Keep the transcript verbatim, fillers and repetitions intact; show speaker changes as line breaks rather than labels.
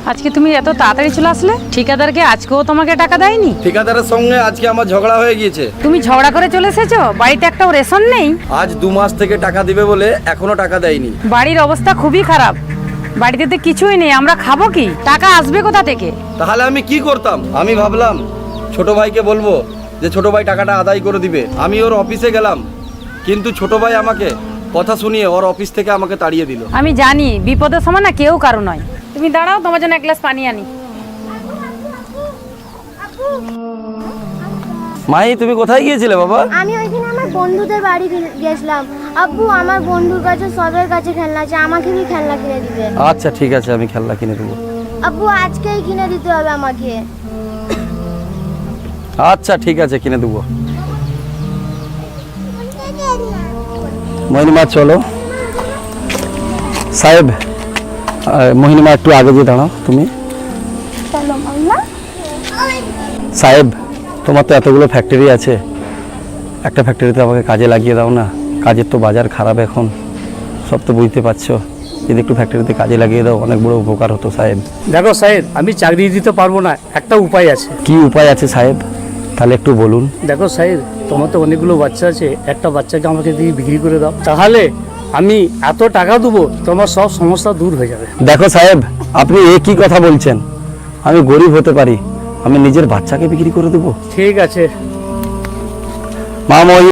আজকে তুমি এত তাড়াতাড়ি চলে আসলে? ঠিকাদারকে আজকেও তোমাকে টাকা দেয়নি?
ঠিকাদারের সঙ্গে আজকে আমার ঝগড়া হয়ে গিয়েছে।
তুমি ঝগড়া করে চলে এসেছো? বাড়িতে একটাও রেশন নেই?
আজ দু মাস থেকে টাকা দিবে বলে এখনো টাকা দেয়নি।
বাড়ির অবস্থা খুবই খারাপ, বাড়িতে তো কিছুই নেই, আমরা খাবো কি? টাকা আসবে কোথা থেকে?
তাহলে আমি কি করতাম? আমি ভাবলাম ছোট ভাইকে বলবো যে ছোট ভাই টাকাটা আদায় করে দিবে। আমি ওর অফিসে গেলাম, কিন্তু ছোট ভাই আমাকে কথা শুনিয়ে ওর অফিস থেকে আমাকে তাড়িয়ে দিল।
আমি জানি বিপদের সময় না কেউ কারো নয়। তুমি দাঁড়াও, তোমার জন্য এক গ্লাস পানি আনি।
মাই, তুমি কোথায় গিয়েছিলে বাবা?
আমি ওইখানে আমার বন্ধুদের বাড়ি গে- গেছিলাম। আব্বু, আমার বন্ধুর কাছে সবের কাছে খেলনা আছে, আমাকে কি খেলনা কিনে দিবে?
আচ্ছা ঠিক আছে, আমি খেলনা কিনে দেবো।
আব্বু, আজকেই কিনে দিতে হবে আমাকে।
আচ্ছা ঠিক আছে, কিনে দেবো। মোহিনী মা চলো। সাহেব, মোহিনী মা একটু আগে দিয়ে দাঁড়াও তুমি।
চলো মাম্মা।
সাহেব, তোমার তো এতগুলো ফ্যাক্টরি আছে, একটা ফ্যাক্টরিতে আমাকে কাজে লাগিয়ে দাও না। কাজের তো বাজার খারাপ এখন, সব তো বুঝতে পারছো। যদি একটু ফ্যাক্টরিতে কাজে লাগিয়ে দাও, অনেক বড় উপকার হতো সাহেব।
দেখো সাহেব, আমি চাকরি দিতে পারবো না, একটা উপায় আছে।
কি উপায় আছে সাহেব? তাহলে একটু বলুন।
দেখো সাহেব, তোমার তো অনেকগুলো বাচ্চা আছে, একটা বাচ্চাকে আমাকে দিয়ে বিক্রি করে দাও, তাহলে আমি এত টাকা দেবো, তোমার সব সমস্যা দূর হয়ে যাবে।
দেখো সাহেব, আপনি এ কি কথা বলছেন? আমি গরিব হতে পারি, আমি নিজের বাচ্চাকে বিক্রি করে দেবো?
ঠিক আছে।
মা, মই